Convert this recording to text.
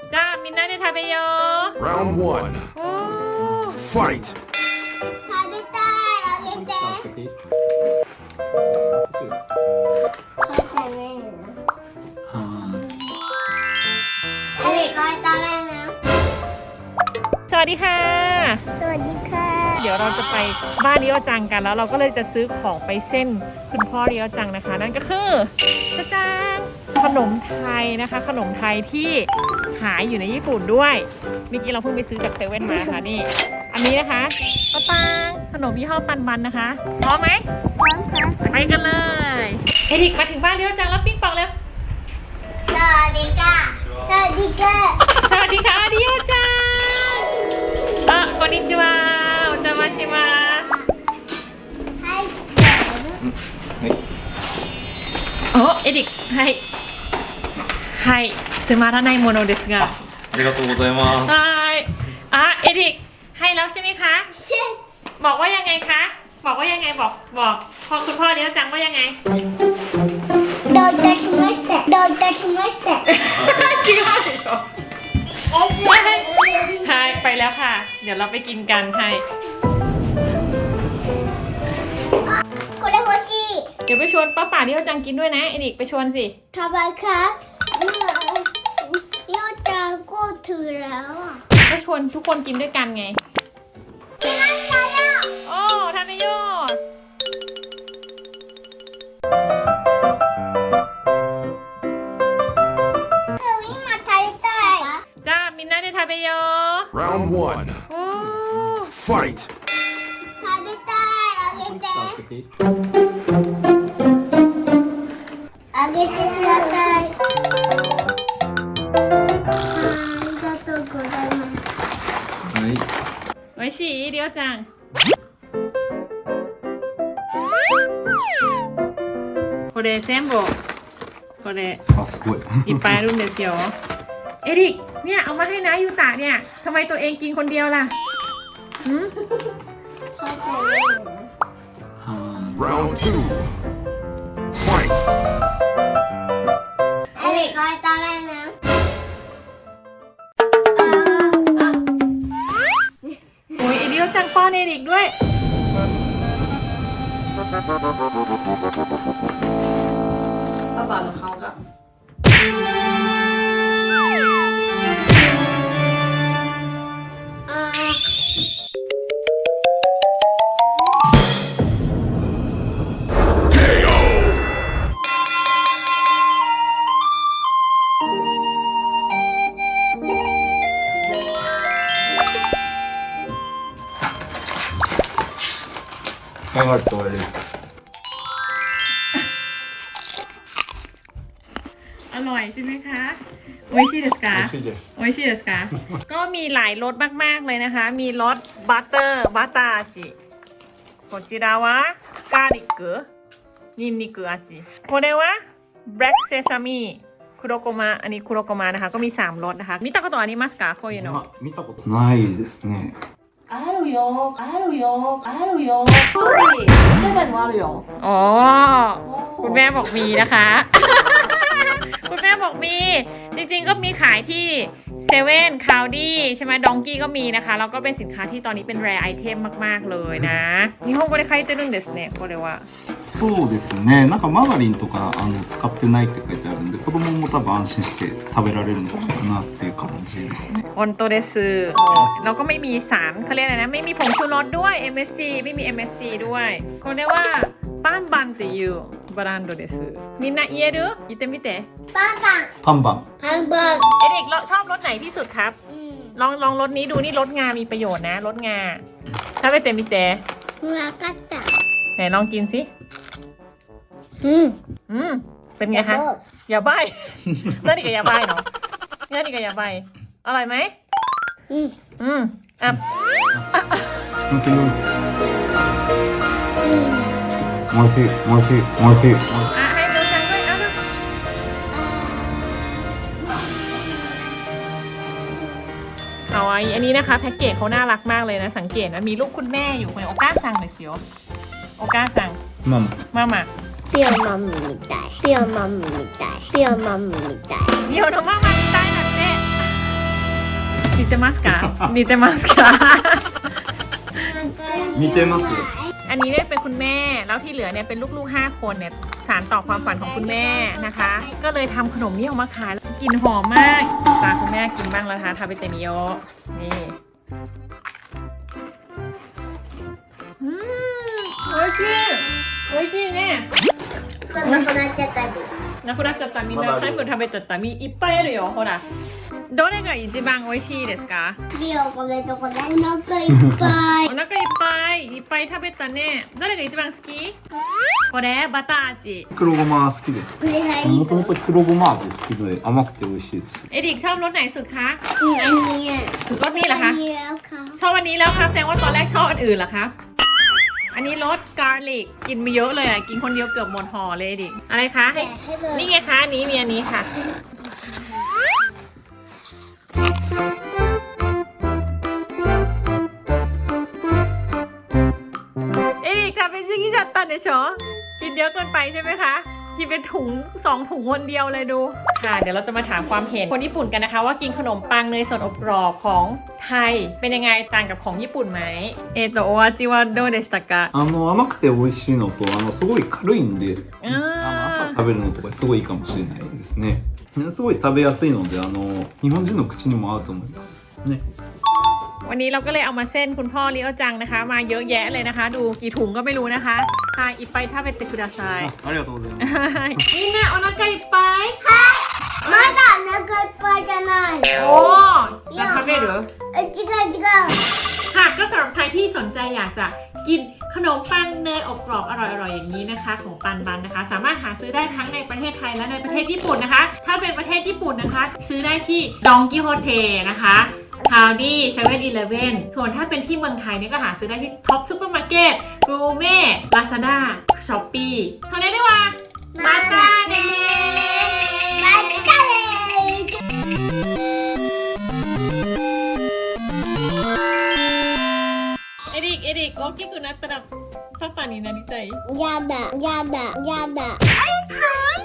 じゃあみんなで食べよう Round one. おー Fight. 食べたいあげて開けていいこれ食べるのこれ食べるのสวัสดีค่ะสวัสดีค่ะเดี๋ยวเราจะไปบ้านเรียวจังกันแล้วเราก็เลยจะซื้อของไปเส้นคุณพ่อเรียวจังนะคะ นั่นก็คือจะจางขนมไทยนะคะ ขนมไทยที่ขายอยู่ในญี่ปุ่นด้วยเมื่อกี้เราเพิ่งไปซื้อจากเซเว่นมาค่ะนี่ อันนี้นะคะปะปางขนมยี่ห้อปันมันนะคะพร้อมไหมพร้อมค่ะไปกันเลยเอริกมาถึงบ้านเรียวจังแล้วปิ๊งปองเร็วสวัสดีค่ะสวัสดีค่ะสวัสดีค่ะเรียวจังこんにちはお邪魔しますはいおエリックはいはいつまらないものですがありがとうございますはいอ่ะเอริกให้แล้วใช่ไหมคะเช็ดบอกว่ายังไงคะบอกว่ายังไงบอกพอคุณพ่อเลี้ยวจังว่ายังไงどういたしましてどういたしまして違うでしょはいไปแล้วค่ะ เดี๋ยวเราไปกินกันให้これ欲しいเดี๋ยวไปชวนป้าป่าเลี้ยวจังกินด้วยนะเอริกไปชวนสิタバコようちゃんこうถือแล้วอ่ะก็ชวนทุกคนกินด้วยกันไงกินน้ำแล้วโอ้ทานนายโย今食べたいจ้ามินนาได้ทาเบโย Round one. โอ้ Fight. 食べたいあげて開けていいあげてくださいありがとうございますはいおいしいりょうちゃんこれ全部これあすごいいっぱいあるんですよเอริกเนี่ยเอามาให้นะยูตะเนี่ยทำไมตัวเองกินคนเดียวล่ะหืม Round two. Fight. เอริกこれ食べるのโอ้ยเりょうจังป้อนเอริกด้วยป้าป่ากับเขาครับ頑張って終われるอร่อยใช่ไหมคะโออิชิเดสกา美味しいですโออิชิเดสกา ก็มีหลายรสมากๆเลยนะคะ มีรสบัตเตอร์บัตตาจิこちらはガーリックニンニク味これはブラックセサミคุโรโกมะอันนี้คุโรโกมะนะคะ ก็มี3รสนะคะ見たことありますかこういうの見たことないですねあるよあるよあるよそうセブンもあるよอ๋อ คุณแม่บอกมีนะคะ คุณแม่บอกมี จริงๆก็มีขายที่เซเว่นคาวดี้ใช่ไหมดองกี้ก็มีนะคะ แล้วก็เป็นสินค้าที่ตอนนี้เป็นแรร์ไอเทมมากๆเลยนะ日本語で書いてるんですねこれはそうですね。なんかマーガリンとか使ってないって書いてあるんで、子供も多分安心して食べられるのかなっていう感じですね。 ออนโตเดซึเราก็ไม่มีสารเขาเรียกอะไรนะ ไม่มีผงชูรสด้วย MSG ไม่มี MSG ด้วยこれはバンバンっていうブランドですみんな言える言ってみてパンパンパンバン。 パンパンเอริกชอบรสไหนที่สุดครับ ลองรสนี้ดูนี่รสงามีประโยชน์นะรสงาถ้าไปเต็มมิเตะわかったไหนลองกินสิ เป็นไงคะ อย่าใบ้ นั่นนี่ก็อย่าใบ้เนาะนั่นนี่ก็อย่าใบ้อร่อยไหมอ่ะ本当に。美味しい、美味しい、美味しい。 อ่ะให้ดูจังด้วยเอาดูเอาไว้อันนี้นะคะแพ็กเกจเขาน่ารักมากเลยนะสังเกตนะมีรูปคุณแม่อยู่ในโอก้าซังเลยเสียวโอก้าซังママ。 มาピオマムみたいピオマムみたいピオマムみたいเดี๋ยวน้องมาใต้หน่อยเจ๊เตมัสกะนิเตมัสกะ似てますよอันนี้เนี่ยเป็นคุณแม่แล้วที่เหลือเนี่ยเป็นลูกๆ5 คนเนี่ยสานต่อความฝันของคุณแม่นะคะ ก็เลยทำขนมนี้ออกมาขายกลิ่นหอมมากตาคุณแม่กินบ้างแล้วนะคะทาเบเตนิโยนี่โอ้ยจีโอ้ยจีเนี่ยなくなっちゃったり。 なくなっちゃったみんな最後に食べちゃったいっぱいあるよほらどれが一番美味しいですか次お米とこでお腹いっぱいお。腹いっぱい食べたねどれが一番好きこれバター味黒ごま好きですこれがいい。 もともと黒ごま味好きで甘くて美味しいですเอริกชอบรสไหนสุดคะอันนี้รสนี้เหรอคะอันนี้แล้วค่ะชอบอันนี้แล้วครับแสดงว่าตอนแรกชอบอันอื่นเหรอคะอันนี้รสการลิกกินไปเยอะเลยอ่ะกินคนเดียวเกือบหมดห่อเลยดิอะไรคะแกะให้เลยนี่ไงคะอันนี้มีอันนี้ค่ะเอริกทำเป็นซิกิจัตตันเดชอกินเยอะเกินไปใช่ไหมคะกินเป็นถุง2 ถุงคนเดียวเลยดูค่ะเดี๋ยวเราจะมาถามความเห็นคนญี่ปุ่นกันนะคะว่ากินขนมปังเนยสดอบกรอบของไทยเป็นยังไงต่างกับของญี่ปุ่นไหมโอวาจิวะโดเดสตะกะ甘くて美味しいのとすごい軽いんでอ่า朝食べるのとかすごいいいかもしれないですねすごい食べやすいので日本人の口にも合うと思いますねวันนี้เราก็เลยเอามาเส้นคุณพ่อริโอจังนะคะ มาเยอะแยะเลยนะคะ ดูกี่ถุงก็ไม่รู้นะคะค่ะいっぱい食べてくださいありがとうございますみんなお腹いっぱいまだお腹いっぱいじゃない。 โอ้จะ食べる違う。 ค่ะก็สำหรับใครที่สนใจอยากจะกินขนมปังเนยอบกรอบอร่อยๆอย่างนี้นะคะ ของปันบันนะคะ สามารถหาซื้อได้ทั้งในประเทศไทยและในประเทศญี่ปุ่นนะคะ ถ้าเป็นประเทศญี่ปุ่นนะคะ ซื้อได้ที่ดองกิโฮเทนะคะคาวดี้เซเว่นอีเลฟเว่นส่วนถ้าเป็นที่เมืองไทยเนี่ยก็หาซื้อได้ที่ท็อปซูเปอร์มาร์เก็ตรูเม่ลาซาด้าช้อปปี้โทรได้ด้วยว่ามาตาเดまたねエリック大きくなったらパパになりたいやだ。